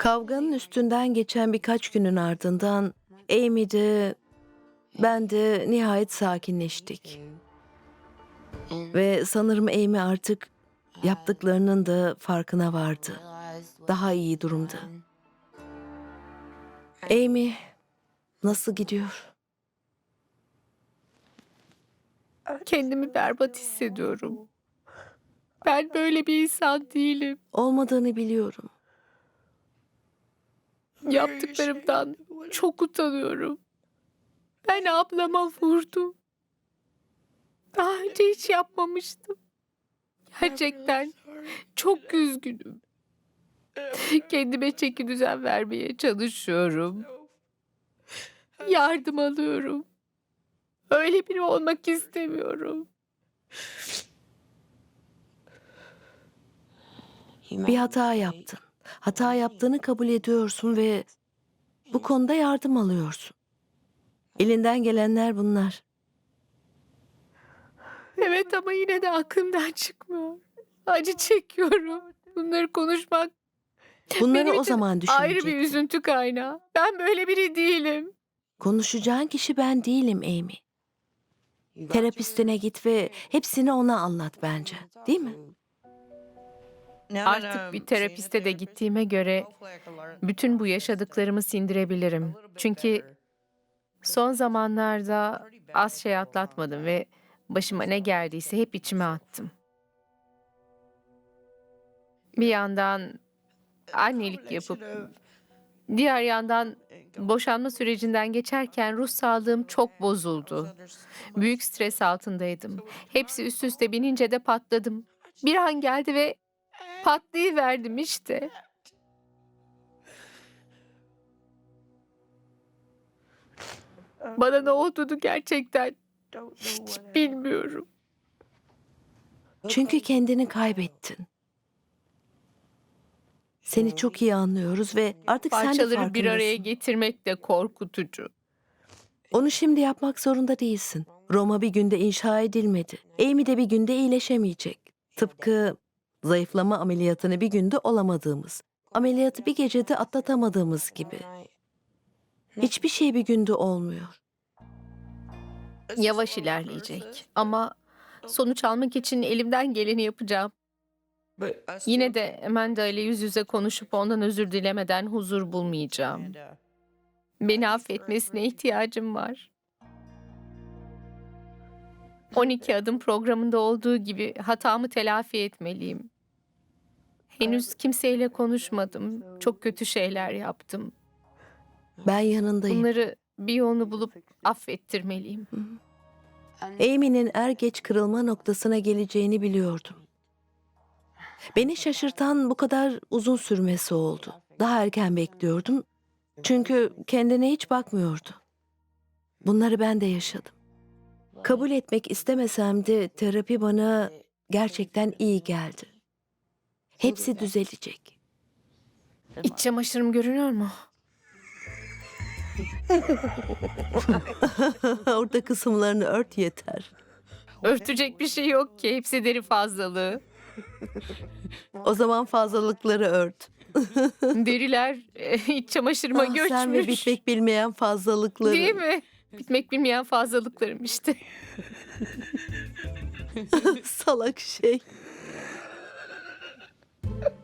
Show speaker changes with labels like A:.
A: Kavganın üstünden geçen birkaç günün ardından Amy de ben de nihayet sakinleştik. Ve sanırım Amy artık yaptıklarının da farkına vardı. Daha iyi durumda. Amy nasıl gidiyor?
B: Kendimi berbat hissediyorum. Ben böyle bir insan değilim.
A: Olmadığını biliyorum.
B: Yaptıklarımdan çok utanıyorum. Ben ablama vurdum. Daha önce hiç yapmamıştım. Gerçekten çok üzgünüm. Kendime çeki düzen vermeye çalışıyorum. Yardım alıyorum. Öyle biri olmak istemiyorum.
A: Bir hata yaptın. Hata yaptığını kabul ediyorsun ve bu konuda yardım alıyorsun. Elinden gelenler bunlar.
B: Evet ama yine de aklımdan çıkmıyor. Acı çekiyorum. Bunları konuşmak
A: Bunları
B: benim
A: o
B: için
A: zaman
B: ayrı bir
A: düşünecektin.
B: üzüntü kaynağı. Ben böyle biri değilim.
A: Konuşacağın kişi ben değilim Amy. Terapistine git ve hepsini ona anlat bence. Değil mi?
B: Artık bir terapiste de gittiğime göre bütün bu yaşadıklarımı sindirebilirim. Çünkü son zamanlarda az şey atlatmadım ve başıma ne geldiyse hep içime attım. Bir yandan annelik yapıp diğer yandan boşanma sürecinden geçerken ruh sağlığım çok bozuldu. Büyük stres altındaydım. Hepsi üst üste binince de patladım. Bir an geldi ve patlayıverdim işte. Bana ne olduğunu gerçekten hiç bilmiyorum.
A: Çünkü kendini kaybettin. Seni çok iyi anlıyoruz ve artık sen de
B: Parçaları bir araya
A: farkındasın.
B: getirmek de korkutucu.
A: Onu şimdi yapmak zorunda değilsin. Roma bir günde inşa edilmedi. Amy de bir günde iyileşemeyecek. Tıpkı zayıflama ameliyatını bir günde olamadığımız, ameliyatı bir gecede atlatamadığımız gibi. Hiçbir şey bir günde olmuyor.
B: Yavaş ilerleyecek ama sonuç almak için elimden geleni yapacağım. Yine de Amanda ile yüz yüze konuşup ondan özür dilemeden huzur bulmayacağım. Beni affetmesine ihtiyacım var. 12 adım programında olduğu gibi hatamı telafi etmeliyim. Henüz kimseyle konuşmadım. Çok kötü şeyler yaptım.
A: Ben yanındayım.
B: Bunları bir yolunu bulup affettirmeliyim.
A: Amy'nin er geç kırılma noktasına geleceğini biliyordum. Beni şaşırtan bu kadar uzun sürmesi oldu. Daha erken bekliyordum. Çünkü kendine hiç bakmıyordu. Bunları ben de yaşadım. Kabul etmek istemesem de terapi bana gerçekten iyi geldi. Hepsi düzelecek.
B: İç çamaşırım görünüyor mu?
A: Orada kısımlarını ört yeter.
B: Örtecek bir şey yok ki. Hepsi deri fazlalığı.
A: O zaman fazlalıkları ört.
B: Deriler iç çamaşırıma
A: Ah, sen ve
B: göçmüş.
A: bitmek bilmeyen fazlalıkları.
B: Değil mi? Bitmek bilmeyen fazlalıklarım işte.
A: Salak şey.